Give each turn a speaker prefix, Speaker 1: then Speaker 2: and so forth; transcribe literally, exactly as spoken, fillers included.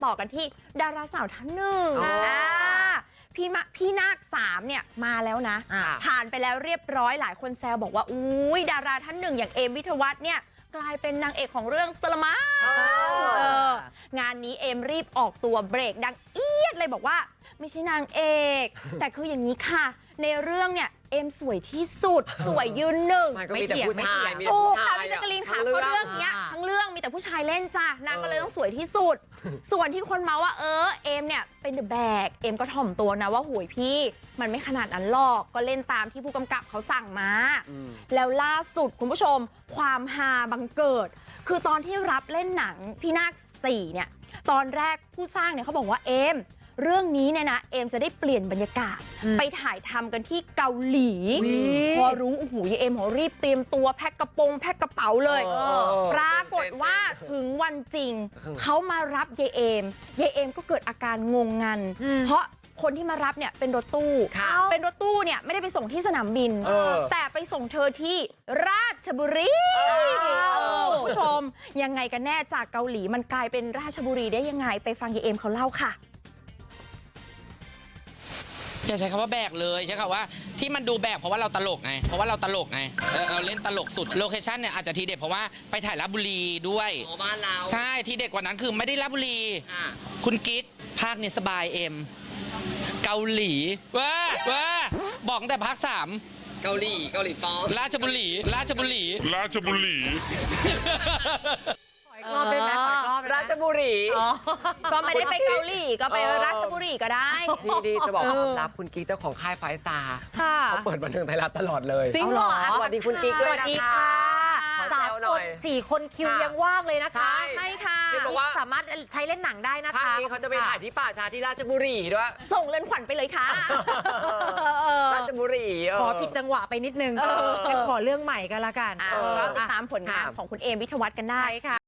Speaker 1: ต่อกันที่ดาราสาวท่านหนึ่งอ่าพี่มะพี่นาคสามเนี่ยมาแล้วนะผ่านไปแล้วเรียบร้อยหลายคนแซวบอกว่าอุ้ยดาราท่านหนึ่งอย่างเอมวิทวัฒน์เนี่ยกลายเป็นนางเอกของเรื่องสลามงานนี้เอมรีบออกตัวเบรกดังเอียดเลยบอกว่าไม่ใช่นางเอก แต่คืออย่างนี้ค่ะในเรื่องเนี่ยเอมสวยที่สุดสวยยืนหนึ่ง
Speaker 2: ไม่เถียงไม่เถียง
Speaker 1: ถูกค่ะพี่แจ๊กกะลีนค่ะเพราะเรื่องเนี้ยทั้งเรื่องมีแต่ผู้ชายเล่นจ้ะนางก็เลยต้องสวยที่สุดส่วนที่คนเมาว่าเออเอมเนี่ยเป็นเดอะแบกเอมก็ถ่อมตัวนะว่าหุยพี่มันไม่ขนาดนั้นหรอกก็เล่นตามที่ผู้กำกับเขาสั่งมาแล้วล่าสุดคุณผู้ชมความฮาบังเกิดคือตอนที่รับเล่นหนังพี่นาคสี่เนี่ยตอนแรกผู้สร้างเนี่ยเขาบอกว่าเอมเรื่องนี้เนี่ยนะเอมจะได้เปลี่ยนบรรยากาศไปถ่ายทำกันที่เกาหลีพอรู้โอ้โหยายเอมเขารีบเตรียมตัวแพ็คกระโปรงแพ็คกระเป๋าเลยปรากฏว่าถึงวันจริงเขามารับยายเอมยายเอมก็เกิดอาการงงงันเพราะคนที่มารับเนี่ยเป็นรถตู้เป็นรถตู้เนี่ยไม่ได้ไปส่งที่สนามบินแต่ไปส่งเธอที่ราชบุรีคุณผู้ชมยังไงกันแน่จากเกาหลีมันกลายเป็นราชบุรีได้ยังไงไปฟังยายเอมเขาเล่าค่ะ
Speaker 3: อย่าใช้คำว่าแบกเลยใช้คำว่าที่มันดูแบกเพราะว่าเราตลกไงเพราะว่าเราตลกไงเออเราเล่นตลกสุดโลเคชั่นเนี่ยอาจจะทีเด็ดเพราะว่าไปถ่ายราชบุรีด้วย
Speaker 2: บ้านเรา
Speaker 3: ใช่ทีเด็ดกว่านั้นคือไม่ได้ราชบุรีคุณกิ๊กภาคเนี่ยสบายเอ็มเกาหลีว้าว้าบอกตั้งแต่ภาคสาม
Speaker 2: เกาหลีเกาหลีป้อ
Speaker 3: ราชบุรีราชบุรี
Speaker 4: ราชบุรี
Speaker 5: รอบได้ไหมรอบ
Speaker 2: ราชบุรี
Speaker 1: ก็ไม่ได้ไปเกาหลีก็ไปราชบุรีก็ได้
Speaker 2: ดีดีจะบอกความลับคุณกิ๊กเจ้าของค่ายไฟสตาร์เขาเปิดบันเทิงไทยรัฐตลอดเลย
Speaker 1: จริงเหรอ
Speaker 2: สวัสดีคุณกิ๊กด้วยนะคะ
Speaker 5: สามคนสี่คนคิวยังว่างเลยนะคะ
Speaker 1: ใช่ค่ะ
Speaker 5: สามารถใช้เล่นหนังได้นะคะ
Speaker 2: ภาคนี้เขาจะไปถ่ายที่ป่าช้าที่ราชบุรีด้วย
Speaker 1: ส่งเรือนขวัญไปเลยค่ะ
Speaker 2: ราชบุรี
Speaker 5: ขอผิดจังหวะไปนิดนึงงั้นขอเรื่องใหม่กันละกัน
Speaker 1: ก็ติดตามผลงานของคุณเอมวิทวัฒน์กันได้ค่ะ